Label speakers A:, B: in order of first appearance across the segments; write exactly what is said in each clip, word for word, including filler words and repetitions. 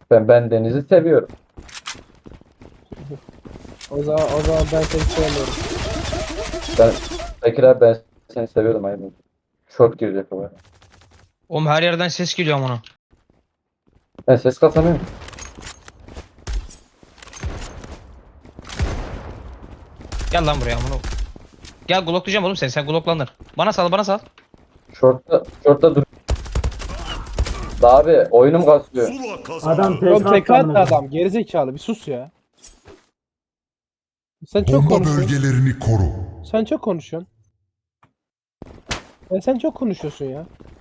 A: Ben ben denizi seviyorum.
B: O zaman, o zaman ben seni sevmiyorum.
A: Ben Bekir abi ben seni seviyorum aynı. Short girecek o.
C: Oğlum her yerden ses geliyor amına.
A: Ben ses kasamıyorum.
C: Gel lan buraya amına. Gel gloklayacağım oğlum seni. Sen gloklanır. Bana sal bana sal.
A: Short'ta short'ta dur. Da abi oyunum kasıyor.
D: Zula kazandı.
E: Adam
B: Oğlum
E: tekrar
B: tek attı adam. Gerizekalı bir sus ya. Sen çok
D: Bomba
B: konuşuyorsun.
D: bölgelerini koru.
B: Sen çok konuşuyorsun. Ya sen çok konuşuyorsun ya.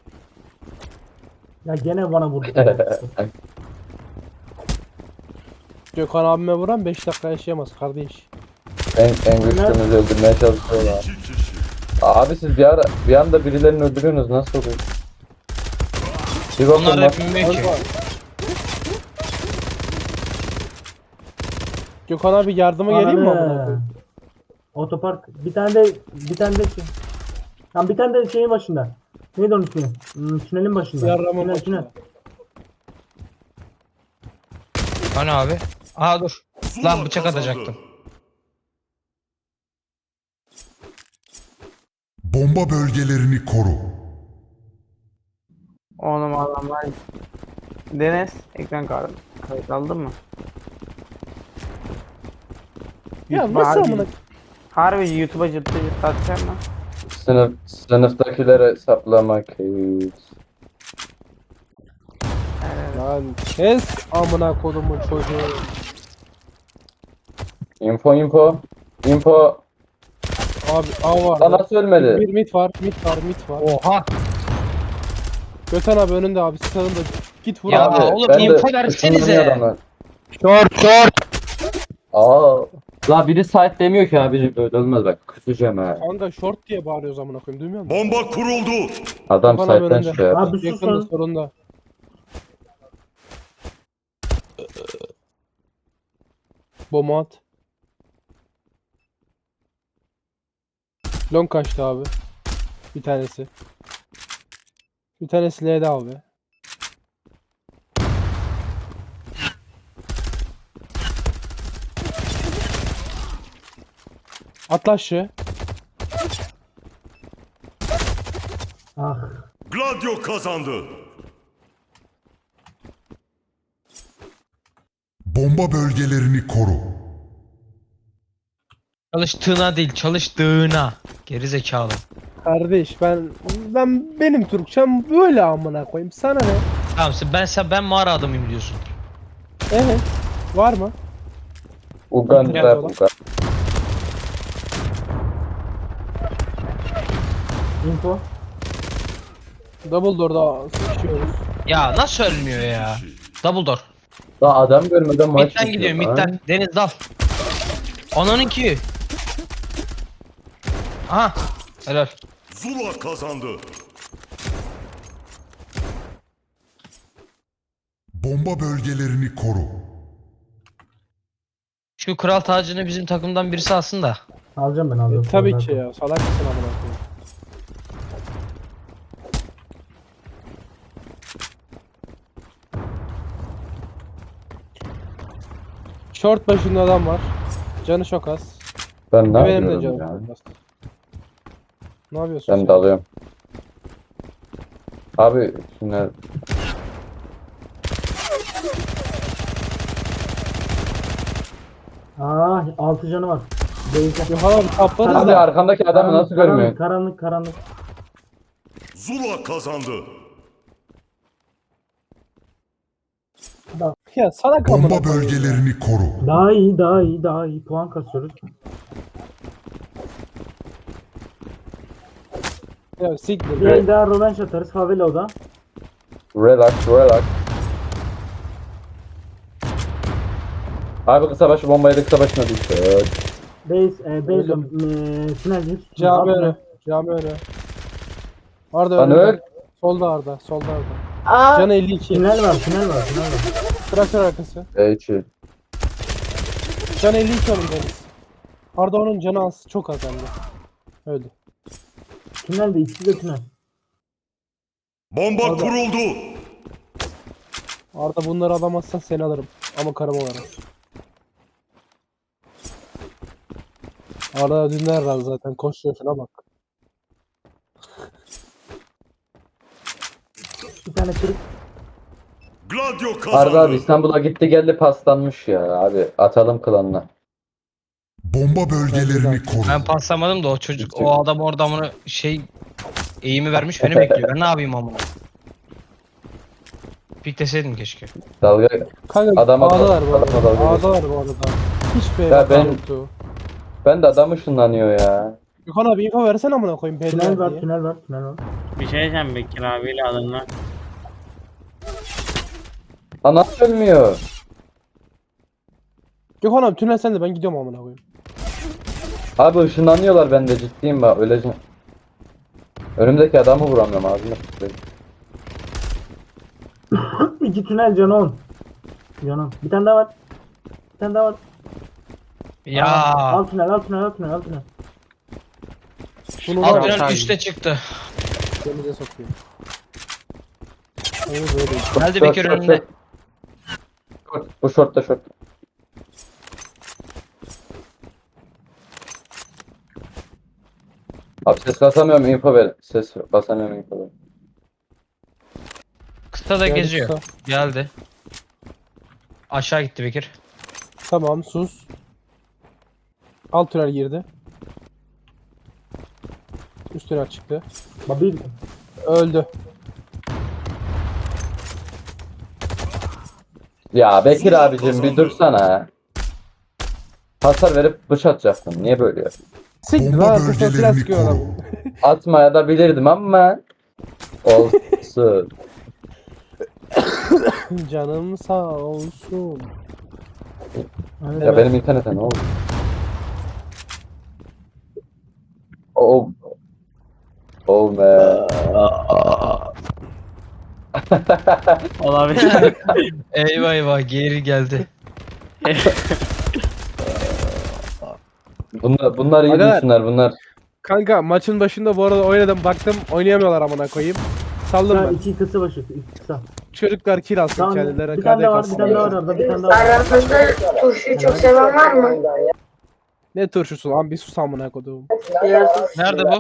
E: Ya gene bana vurdu.
B: Gökhan abime vuran beş dakika yaşayamaz kardeş.
A: en, en güçlümüzü öldürmeye çalışıyorlar.
D: İki kişi.
A: Abi siz bir ara bir anda birilerini öldürüyorsunuz nasıl oluyor? Bir bakın
C: Onlar da
A: bak.
C: bilmiyor ki.
B: Kanka. Gökhan abi yardıma geleyim mi amına
E: Ananı.
B: koyayım?
E: Otopark. Bir tane de bir tane de şey. Tam bir tane de şeyin başında. Neydi onun ismi? Hmm, tünelin başında.
B: Yarrama
E: Tünel,
B: başında.
E: tünel.
C: Hani abi? Aa dur.
D: Zula
C: Lan bıçak
D: kazandı.
C: atacaktım.
D: Bomba bölgelerini koru.
F: Oğlum adamlar. Deniz ekran kartı. Kayıt aldın mı?
B: Ya
F: YouTube'a
B: nasıl
F: harbi-
B: amına?
F: Harbi YouTube'a cıttı cıttı atacağım lan.
A: Sınıf sınıftakilere saplamak.
F: Evet.
B: Lan kes amına kodumun çocuğu.
A: Info info. Info.
B: Abi A
A: Aa,
B: vardı.
A: nasıl ölmedi?
B: Bir mit var, mit var, mit var.
C: Oha.
B: Gökhan abi önünde abi sağında. Git vur
C: Ya
B: abi.
A: Abi,
C: oğlum,
A: ben de
C: info versenize.
A: ışınlanıyor adamlar.
C: Short short.
A: Aa. La biri site demiyor ki abi böyle olmaz bak kusacağım ha.
B: Kanka short diye bağırıyoruz amına koyayım duymuyor musun?
D: Bomba kuruldu.
A: Adam
B: Gökhan abi
A: site'den
B: önünde.
A: çıkıyor.
E: Abi sus
B: Yakında
E: lan.
B: sorunda. Bomba at. Long kaçtı abi. Bir tanesi. Bir tanesi L'de abi. Atla aşağı.
E: Ah.
D: Gladio kazandı. Bomba bölgelerini koru.
C: Çalıştığına değil çalıştığına. Geri zekalı.
B: Kardeş ben ben benim Türkçem böyle amına koyayım. Sana ne?
C: Tamam sen ben sen ben mağara adamıyım diyorsun.
B: Evet. Var mı?
A: Uganda
B: Biraz
A: Uganda.
E: Info.
B: Double door'da sıkışıyoruz.
C: Ya nasıl ölmüyor ya? Double door.
A: Daha adam görmeden maç
C: Mid'den gidiyor
A: bitiyor.
C: mid'den. Deniz dal. Ananın ki. Aha. Helal.
D: Zula kazandı. Bomba bölgelerini koru.
C: Şu kral tacını bizim takımdan birisi alsın da.
E: Alacağım ben
B: E,
E: alacağım.
B: tabii ki ya. Salak mısın amına koyayım? Short başında adam var. Canı çok az.
A: Ben ne
B: Benim de
A: yapıyorum
B: canım
A: ya?
B: çok az. Ne yapıyorsun
A: Ben
B: sen?
A: dalıyorum. Abi şimdi
E: Ah, altı canı var. Beyza.
B: Gökhan abi kaplarız
A: abi
B: da.
A: arkandaki adamı nasıl görmüyorsun?
E: Karanlık, karanlık.
D: Zula kazandı.
B: Ya salak amına
D: Bomba
B: koyayım.
D: bölgelerini koru.
E: Daha iyi, daha iyi, daha iyi. Puan kasıyoruz.
B: Ya siktir.
E: Bir el daha rövanş atarız. Favela o da.
A: Relax relax. Abi kısa başı bombayı da kısa başına düştü.
E: Base, e, base,
B: Öldüm.
E: e, tünel hepsi.
B: Cami
E: Al,
B: önü. Cami önü. Arda
A: Lan
B: önünde.
A: öl.
B: Solda Arda. Solda Arda.
E: Aa,
B: Canı elli iki.
E: tünel var, tünel var, tünel var.
B: Traktör arkası.
A: H.
B: Can elli iki onun Deniz. Arda onun canı az. Çok az hem de. Öldü.
E: Tünel de ikisi de tünel.
D: Bomba
B: Orada.
D: kuruldu.
B: Arda bunları alamazsan seni alırım. Ama karım olarak. Arda dinler razı zaten. Koşuyor şuna bak.
E: Bir tane kırık.
D: Gladio kazandı.
A: Arda abi İstanbul'a gitti geldi paslanmış ya abi. Atalım klanına.
D: Bomba bölgelerini koru.
C: Ben paslamadım da o çocuk o adam orada amına şey eğimi vermiş beni bekliyor. Ben ne yapayım amına? Pikleseydim keşke.
A: Dalga
B: Kanka
A: Adama
B: A'dalar bu
A: dalga- adama
B: arada.
A: dalga
B: A'dalar bu arada. Hiç B
A: Ya
B: yok
A: ben-
B: yoktu.
A: ben de adam ışınlanıyor ya.
B: Gökhan abi info versene amına koyayım.
E: Tünel
B: Belli
E: var,
B: diye.
E: tünel var, tünel var.
F: Bir şey diyeceğim Bekir abiyle adamlar.
A: Ha nasıl ölmüyor?
B: Gökhan abi tünel sende ben gidiyorum amına koyayım.
A: Abi ışınlanıyorlar bende ciddiyim bak öleceğim. Önümdeki adamı vuramıyorum ağzına sıçrayım.
E: İki tünel canı on. Canım. Bir tane daha var. Bir tane daha var.
C: Ya
E: Al tünel, al tünel, al tünel, al tünel.
B: Bunu
C: alt
B: var
C: tünel
F: abi.
C: üste çıktı.
B: denize sokuyor. Öyle böyle.
C: Geldi
A: Short,
C: Bekir
A: short,
C: önünde.
A: short. Short, bu shortta short. Abi ses basamıyorum info ver. Ses basamıyorum info ver.
C: Kısa da
B: Geldi
C: geziyor.
B: kısa.
C: Geldi. Aşağı gitti Bekir.
B: Tamam sus. Alt tünel girdi. Üst tünel çıktı.
E: Babil.
B: Öldü.
A: Ya Bekir
D: Zula
A: abicim bir
D: kazandı.
A: dursana. Hasar verip bıç atacaktım. Niye böyle yapıyorsun?
B: Siktir
D: Bomba
B: lan kısa silah
D: bölgelerini
B: sıkıyor adam.
D: koru.
A: Atmaya da bilirdim ama olsun.
B: Canım sağ olsun.
E: Evet.
A: Ya benim internete ne oldu? Oh. Oh man.
F: Olabilir.
C: Eyvah eyvah geri geldi.
A: Bunlar, bunlar iyi
B: Aga-
A: düşünler bunlar.
B: Kanka maçın başında bu arada oynadım baktım oynayamıyorlar amına koyayım. Saldım
E: Kısa,
B: ben.
E: iki kısa başı, iki kısa.
B: Çocuklar kill alsın
E: Tamam,
B: kendilerine.
E: bir tane
B: K D
E: daha var, bir tane daha var
B: kalsın.
E: orada, bir tane daha var.
G: Aranızda turşuyu çok seven var mı?
B: Ne turşusu lan bir sus amına koduğum.
G: Biraz
C: Nerede bu?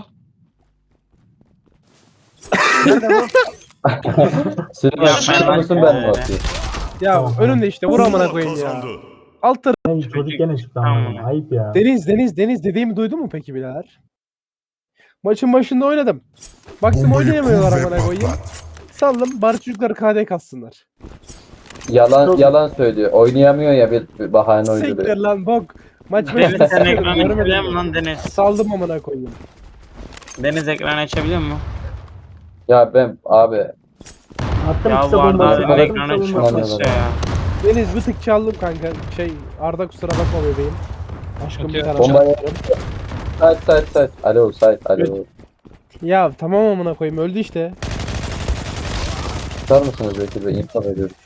A: Senin
F: Ya
A: açıklıyor
F: ben-
A: musun ben mi atayım?
B: Ya
E: Tamam.
B: önümde işte vur amına
D: Zula
B: koyayım ya.
D: kazandı.
B: Alt tarafı.
E: Ay, çocuk gene çıktı
F: Tamam.
E: ama. Ayıp ya.
B: Deniz Deniz Deniz dediğimi duydun mu peki birader? Maçın başında oynadım. Baktım
D: Bombayı
B: oynayamıyorlar
D: kur ve
B: amına koyayım.
D: patlat.
B: Saldım bari çocuklar K D kassınlar.
A: Yalan
E: Çok-
A: yalan söylüyor. Oynayamıyor ya bir, bir bahane uyduruyor.
B: Siktir lan bok. Maç
F: Deniz
B: başında
F: sen ekran
B: sıkıyordum,
F: açabiliyor
B: görmedim
F: musun
B: mi?
F: lan Deniz?
B: Saldım amına koyayım.
F: Deniz ekran açabiliyor mu?
A: Ya ben abi
E: Attım
F: Ya
E: kısa
F: bu arada
E: bombası.
F: abi
E: Attım
F: ekran
E: kısa
F: açıyor
E: bombası.
A: açıyor.
F: ya.
B: Deniz bir tık çaldım kanka. Şey Arda kusura bakma bebeğim. Aşkım bir
C: Sıkıntı
B: tane
C: yok.
A: Bombayı- site site site. Alo site alo.
B: Ya tamam amına koyayım öldü işte.
A: Tutar mısınız Bekir Bey? İnfo veriyorum.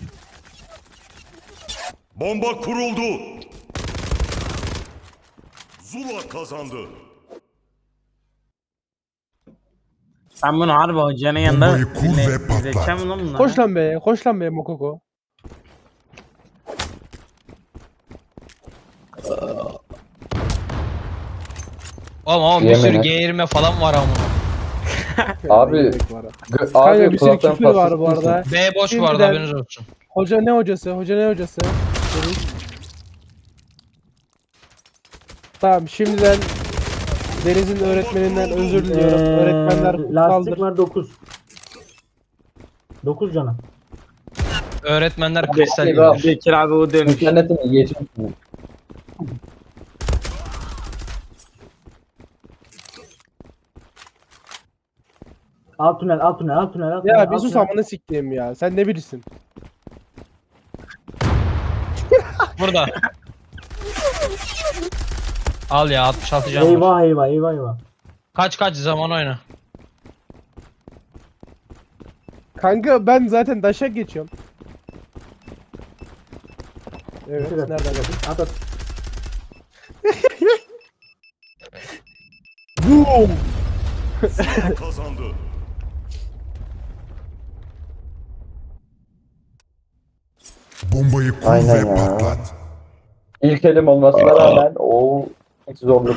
D: Bomba kuruldu. Zula kazandı.
F: Sen bunu harbi hocanın yanında
D: Bombayı kur
F: dinle-
D: ve patlat.
F: izleteceğim mi lan bunları?
B: Koş lan be, koş lan be Mokoko.
C: Oğlum ama bir
A: Yemin
C: sürü
A: et.
C: geğirme falan var ama.
A: Abi
B: Gerek var ha.
A: gö-
B: Kanka
A: abi
B: bir sürü
A: kulaktan
B: küfür var
A: paslı
B: bu arada.
C: B boş bu arada
B: Şimdiden-
C: haberiniz olsun.
B: Hoca ne hocası? Hoca ne hocası? Deniz. Tamım şimdiden Deniz'in öğretmeninden özür diliyorum. Öğretmenler
E: Ee, lastik
B: kutsaldır.
E: var dokuz. dokuz canım.
C: Öğretmenler kristal
A: Eyvah.
C: gibidir.
F: Bekir abi o dönüş.
A: İnternetimi yiyeceğim.
E: Alt tünel, alt tünel, alt tünel, alt tünel.
B: Ya bir
E: alt
B: sus
E: tünel.
B: amına siktiğim ya. Sen ne bilirsin?
C: Burada. Al ya altmış altı can var.
E: Eyvah eyvah eyvah eyvah.
C: Kaç kaç zaman oyna.
B: Kanka ben zaten daşak geçiyorum. Evet,
E: Evet.
B: nereden geldin?
E: At at.
B: Boom!
D: Zula kazandı.
E: Ee,
D: Bombayı kur
A: Aynen
D: ve
A: ya.
D: patlat.
A: İlk elim olmasına rağmen o zorluk.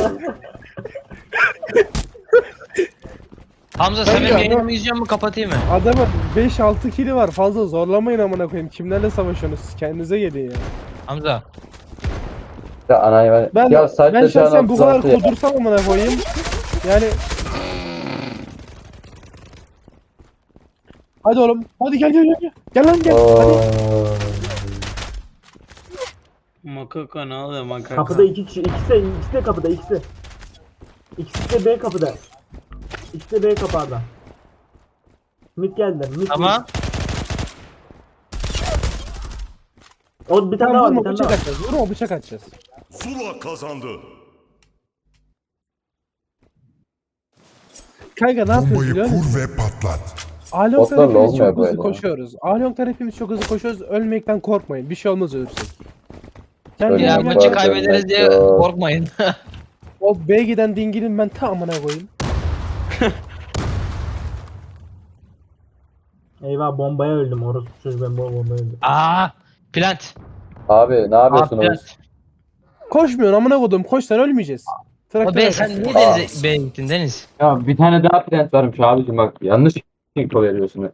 C: Hamza sen
B: Tabii
C: benim
B: ya,
C: yayınımı
B: adam-
C: izliyor mu kapatayım mı?
B: Adamın beş altı kili var. Fazla zorlamayın amına koyayım. Kimlerle savaşıyorsunuz? Kendinize gelin ya.
C: Hamza.
A: Ya anayı ben.
B: Ben
A: Ya saatte
B: ben
A: şu an
B: şahsen bu kadar
A: otuz altı ya.
B: kudursam amına koyayım. Yani hadi oğlum. Hadi gel gel gel. Gel, gel lan gel. Hadi.
A: Oo.
F: Makaka ne oluyor makaka?
E: Kapıda iki kişi. İkisi de, ikisi de kapıda. ikisi. İkisi de B kapıda. İkisi de B kapağında. Mid geldiler. Mid.
C: Ama
E: mid. O bir tane daha
B: Tamam
E: var. Bir
B: vurma
E: tane
B: bıçak
E: daha var.
B: atacağız. Vurma bıçak atacağız.
D: Zula kazandı.
B: Kanka ne yapıyoruz
D: Bombayı
B: biliyor musun?
D: kur ve patlat.
B: Alyon'dan
A: Botlarla
B: hepimiz
A: olmuyor
B: çok hızlı
A: böyle ya.
B: koşuyoruz. Alyon'dan hepimiz çok hızlı koşuyoruz. Ölmekten korkmayın. Bir şey olmaz ölürsek. Gel
A: Öyle
B: gel
C: ya
A: mi?
B: gel.
C: maçı
A: Var,
C: kaybederiz
A: dönmek
C: diye
A: yok.
C: korkmayın.
B: O B giden dingilin ben ta amına koyayım.
E: Eyvah bombaya öldüm. Orospu çocuğu ben bu bombaya öldüm.
C: Aa, plant.
A: Abi ne
C: Aa,
A: yapıyorsunuz?
C: plant.
B: Koşmuyorsun amına koydum. Koşsan ölmeyeceğiz.
C: O
B: Traktör
C: be
B: arkası.
C: sen niye denize B'ye gittin Deniz?
A: Ya bir tane daha plant varmış abicim bak yanlış info veriyorsun.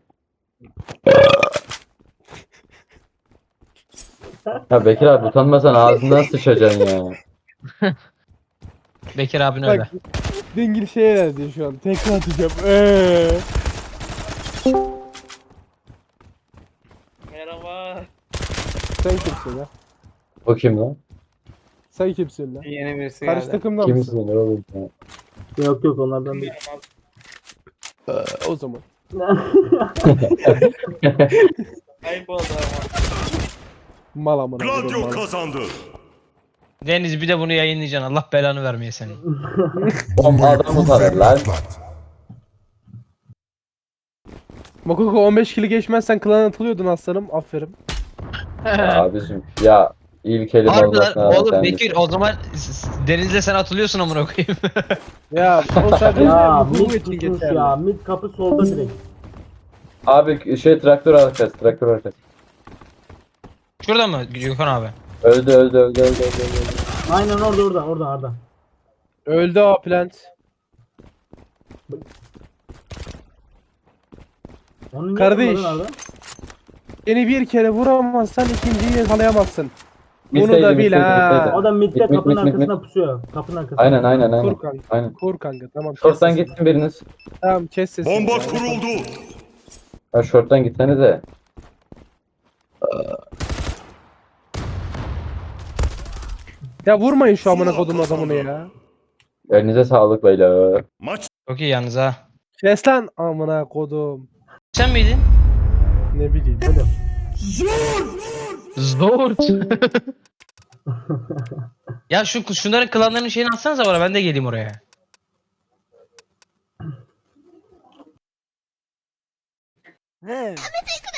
A: Ya Bekir abi utanmasan ağzından sıçacaksın ya.
C: Bekir abin öyle.
B: Bak dingil şeye verdi şu an. Tekrar atacağım. Eee.
F: Merhaba.
B: Sen kimsin ya?
A: O kim lan?
B: Sen kimsin lan?
F: Yeni birisi
B: Karşı
F: geldi.
B: takımda mısın?
A: Kimsin oğlum ya?
E: Yok yok onlardan değil.
B: O zaman.
F: Ayıp oldu ama.
B: Mal amına koydum
D: Gladio
B: mal.
D: kazandı.
C: Deniz bir de bunu yayınlayacaksın. Allah belanı vermeye senin.
D: Bombayı
A: adam
D: kur
A: utanır
D: ve
A: lan.
D: patlat.
B: Makoko on beş kili geçmezsen klana atılıyordun aslanım. Aferin.
A: Ya abicim ya ilk elim
C: Harbiden
A: olmasına rağmen
C: oğlum
A: sen
C: Bekir o zaman s- s- Deniz'le sen atılıyorsun amına koyayım.
B: Ya o sadece
E: Ya
B: bu
E: mid
B: için
E: tutmuş
B: geçerli.
E: ya. Mid kapı solda direkt.
A: Abi şey traktör arkası traktör arkası.
C: Şurada mı Gökhan abi?
A: Öldü öldü öldü öldü öldü. öldü.
E: Aynen orada orada orada Arda.
B: Öldü o plant.
E: Onu niye
B: Kardeş.
E: vurmadın Arda?
B: Seni bir kere vuramazsan ikinciyi yakalayamazsın. Bunu
A: Mitteydi,
B: da bil
A: mitteydi,
B: ha.
A: mitteydi.
E: O da midde
A: Mid, mid,
E: kapının
A: mid, mid,
E: arkasında
A: mid.
E: pusuyor. Kapının arkasında.
A: Aynen aynen aynen.
B: Kur kanka.
A: Aynen.
B: Kur kanka tamam. kes
A: Short'tan
B: sesini.
A: gitsin biriniz.
B: Tamam kes sesini.
D: Bomba
B: ya.
D: kuruldu.
A: Ha short'tan gitsenize.
B: Ya vurmayın şu amına kodum adamını ya.
A: Elinize sağlık beyler.
D: Maç
C: Çok iyi yalnız ha.
B: Kes lan amına kodum.
C: Sen miydin?
B: Ne bileyim.
C: Zor. Ya şu şunların klanlarının şeyini atsanıza bana ben de geleyim oraya.
H: He.